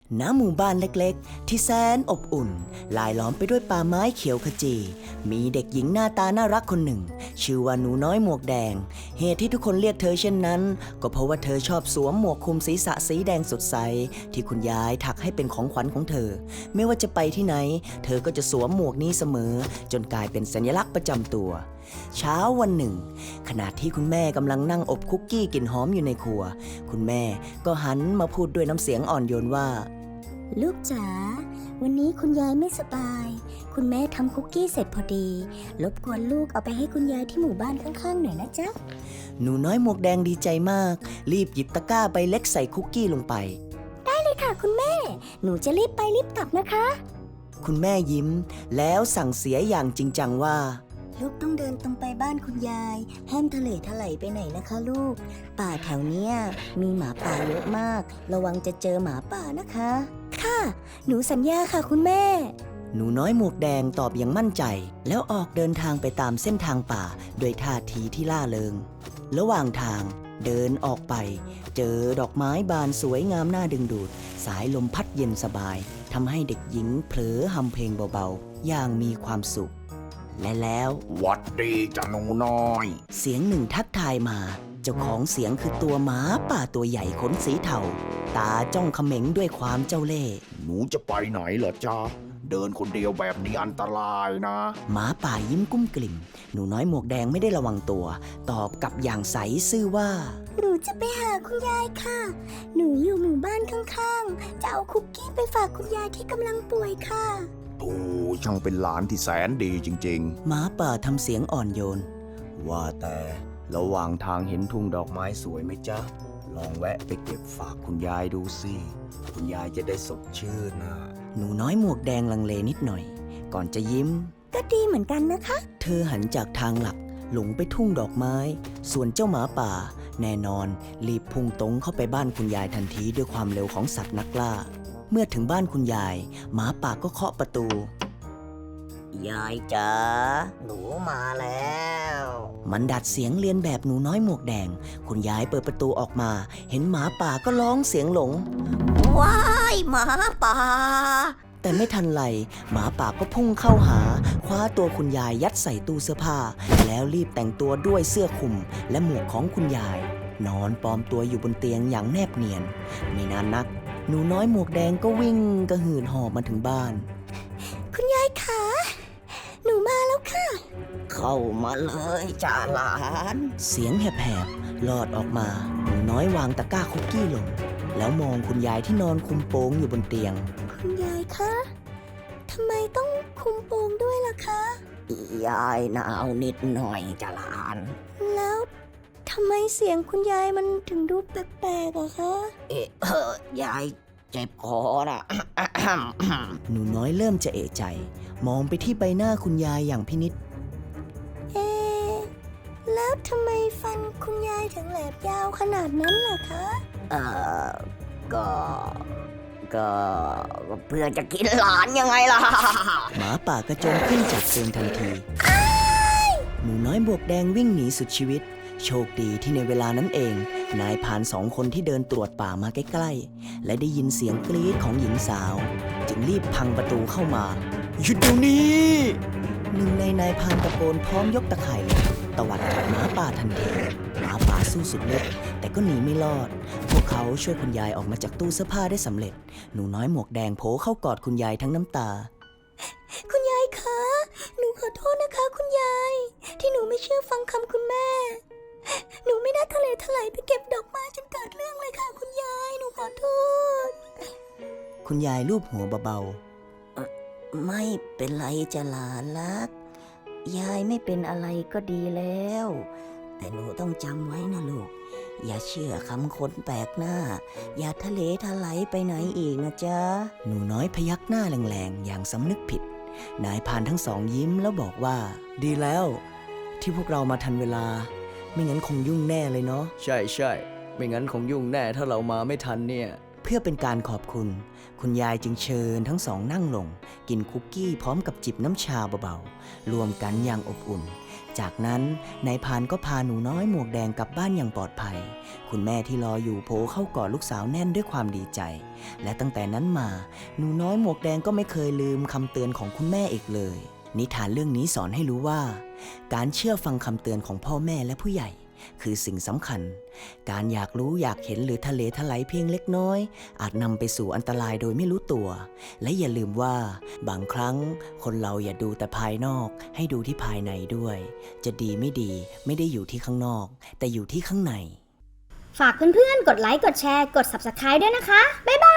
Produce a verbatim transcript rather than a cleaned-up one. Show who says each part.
Speaker 1: ณหมู่บ้านเล็กๆที่แสนอบอุ่นลายล้อมไปด้วยป่าไม้เขียวขจีมีเด็กหญิงหน้าตาน่ารักคนหนึ่งชื่อว่าหนูน้อยหมวกแดงเหตุที่ทุกคนเรียกเธอเช่นนั้นก็เพราะว่าเธอชอบสวมหมวกคลุมศีรษะสีแดงสดใสที่คุณยายถักให้เป็นของขวัญของเธอไม่ว่าจะไปที่ไหนเธอก็จะสวมหมวกนี้เสมอจนกลายเป็นสัญลักษณ์ประจำตัวเช้าวันหนึ่งขณะที่คุณแม่กำลังนั่งอบคุกกี้กลิ่นหอมอยู่ในครัวคุณแม่ก็หันมาพูดด้วยน้ำเสียงอ่อนโยนว่า
Speaker 2: ลูกจ๋าวันนี้คุณยายไม่สบายคุณแม่ทำคุกกี้เสร็จพอดีรบกวนลูกเอาไปให้คุณยายที่หมู่บ้านข้างๆหน่อยนะจ๊ะ
Speaker 1: หนูน้อยหมวกแดงดีใจมากรีบหยิบตะกร้าใบเล็กใส่คุกกี้ลงไป
Speaker 2: ได้เลยค่ะคุณแม่หนูจะรีบไปรีบกลับนะคะ
Speaker 1: คุณแม่ยิ้มแล้วสั่งเสียอย่างจริงจังว่า
Speaker 2: ลูกต้องเดินตรงไปบ้านคุณยายห้ามทะเลทลายไปไหนนะคะลูกป่าแถวเนี้ยมีหมาป่าเยอะมากระวังจะเจอหมาป่านะคะค่ะหนูสัญญาค่ะคุณแม่
Speaker 1: หนูน้อยหมวกแดงตอบอย่างมั่นใจแล้วออกเดินทางไปตามเส้นทางป่าด้วยท่าทีที่ล่าเริงระหว่างทางเดินออกไปเจอดอกไม้บานสวยงามน่าดึงดูดสายลมพัดเย็นสบายทำให้เด็กหญิงเผลอฮำเพลงเบาๆอย่างมีความสุขและแล้ว
Speaker 3: หวัดดีจ้ะหนูน้อย
Speaker 1: เสียงหนึ่งทักทายมาเจ้าของเสียงคือตัวหมาป่าตัวใหญ่ขนสีเทาตาจ้องเขม็งด้วยความเจ้าเล่ห์
Speaker 3: หนูจะไปไหนเหรอจ๊ะเดินคนเดียวแบบนี้อันตรายนะ
Speaker 1: หมาป่ายิ้มกุ้มกลิ่มหนูน้อยหมวกแดงไม่ได้ระวังตัวตอบกลับอย่างใสซื่อว่า
Speaker 2: หนูจะไปหาคุณยายค่ะหนูอยู่หมู่บ้านข้างๆจะเอาคุกกี้ไปฝากคุณยายที่กำลังป่วยค่ะ
Speaker 3: โอ้ช่างเป็นหลานที่แสนดีจริง
Speaker 1: ๆหมาป่าทำเสียงอ่อนโยนว่าแต่ระหว่างทางเห็นทุ่งดอกไม้สวยไหมจ๊ะลองแวะไปเก็บฝากคุณยายดูสิคุณยายจะได้สดชื่นนะหนูน้อยหมวกแดงลังเลนิดหน่อยก่อนจะยิ้ม
Speaker 2: ก็ดีเหมือนกันนะคะ
Speaker 1: เธอหันจากทางหลักหลงไปทุ่งดอกไม้ส่วนเจ้าหมาป่าแน่นอนรีบพุ่งตรงเข้าไปบ้านคุณยายทันทีด้วยความเร็วของสัตว์นักล่าเมื่อถึงบ้านคุณยายหมาป่าก็เคาะประตูยายจ๋าหนูมาแล้วมันดัดเสียงเรียนแบบหนูน้อยหมวกแดงคุณยายเปิดประตูออกมาเห็นหมาป่าก็ร้องเสียงหลงว้ายหมาป่าแต่ไม่ทันไรหมาป่าก็พุ่งเข้าหาคว้าตัวคุณยายยัดใส่ตู้เสื้อผ้าแล้วรีบแต่งตัวด้วยเสื้อคลุมและหมวกของคุณยายนอนปลอมตัวอยู่บนเตียงอย่างแนบเนียนไม่นานนักหนูน้อยหมวกแดงก็วิ่งกระหืดหอบมาถึงบ้าน
Speaker 2: คุณยายคะหนูมาแล้วค่ะ
Speaker 1: เข้ามาเลยจ้าหลานเสียงแหบๆลอดออกมาหนูน้อยวางตะกร้าคุกกี้ลงแล้วมองคุณยายที่นอนคุมโปงอยู่บนเตียง
Speaker 2: คุณยายคะทำไมต้องคุมโปงด้วยล่ะคะ
Speaker 1: ยายหนาวนิดหน่อยจ้าหลาน
Speaker 2: แล้วทำไมเสียงคุณยายมันถึงดูแปลกๆอะคะ
Speaker 1: เอ๊ะเออยายเจ็บคอน่ะ หนูน้อยเริ่มจะเอะใจมองไปที่ใบหน้าคุณยายอย่างพินิจ
Speaker 2: เอ๊ะแล้วทำไมฟันคุณยายถึงแหลมยาวขนาดนั้นล่ะคะ
Speaker 1: เอ่อก็ก็เพื่อจะกินหลานยังไงล่ะหมาป่ากระโจนขึ้นจากเตียงทันทีหนูน้อยบวกแดงวิ่งหนีสุดชีวิตโชคดีที่ในเวลานั้นเองนายพรานสองคนที่เดินตรวจป่ามาใกล้ๆและได้ยินเสียงกรี๊ดของหญิงสาวจึงรีบพังประตูเข้ามาหยุดเดี๋ยวนี้หนึ่งในนายพรานตะโกนพร้อมยกตะข่ายเหล็กตวัดกับหมาป่าทันทีหมาป่าสู้สุดฤทธิ์แต่ก็หนีไม่รอดพวกเขาช่วยคุณยายออกมาจากตู้เสื้อผ้าได้สำเร็จหนูน้อยหมวกแดงโผล่เข้ากอดคุณยายทั้งน้ำตา
Speaker 2: คุณยายคะหนูขอโทษนะคะคุณยายที่หนูไม่เชื่อฟังคำคุณแม่หนูไม่น่าทะเลทลายไปเก็บดอกไม้จนเกิดเรื่องเลยค่ะคุณยายหนูขอโทษ
Speaker 1: คุณยายลูบหัวเบาๆไม่เป็นไรจ้ะหลานรักยายไม่เป็นอะไรก็ดีแล้วแต่หนูต้องจำไว้นะลูกอย่าเชื่อคำคนแปลกหน้าอย่าทะเลทลายไปไหนอีกนะจ๊ะหนูน้อยพยักหน้าแรงๆอย่างสำนึกผิดนายพรานทั้งสองยิ้มแล้วบอกว่าดีแล้วที่พวกเรามาทันเวลาไม่งั้นคงยุ่งแน่เลยเนาะใช่ใช่ไม่งั้นคงยุ่งแน่ถ้าเรามาไม่ทันเนี่ยเพื่อเป็นการขอบคุณ คุณยายจึงเชิญทั้งสองนั่งลง กินคุกกี้พร้อมกับจิบน้ำชาเบาๆรวมกันอย่างอบอุ่น จากนั้นนายพรานก็พาหนูน้อยหมวกแดงกลับบ้านอย่างปลอดภัย คุณแม่ที่รออยู่โผล่เข้ากอดลูกสาวแน่นด้วยความดีใจ และตั้งแต่นั้นมาหนูน้อยหมวกแดงก็ไม่เคยลืมคำเตือนของคุณแม่อีกเลย นิทานเรื่องนี้สอนให้รู้ว่า การเชื่อฟังคำเตือนของพ่อแม่และผู้ใหญ่ คือสิ่งสำคัญ การอยากรู้อยากเห็นหรือทะเลทลายเพียงเล็กน้อย อาจนำไปสู่อันตรายโดยไม่รู้ตัว และอย่าลืมว่า บางครั้งคนเราอย่าดูแต่ภายนอกให้ดูที่ภายในด้วย จะดีไม่ดีไม่ได้อยู่ที่ข้างนอก แต่อยู่ที่ข้างใน
Speaker 4: ฝากเพื่อนๆ กดไลค์ กดแชร์ กด ซับสไครบ์ ด้วยนะคะ บ๊ายบาย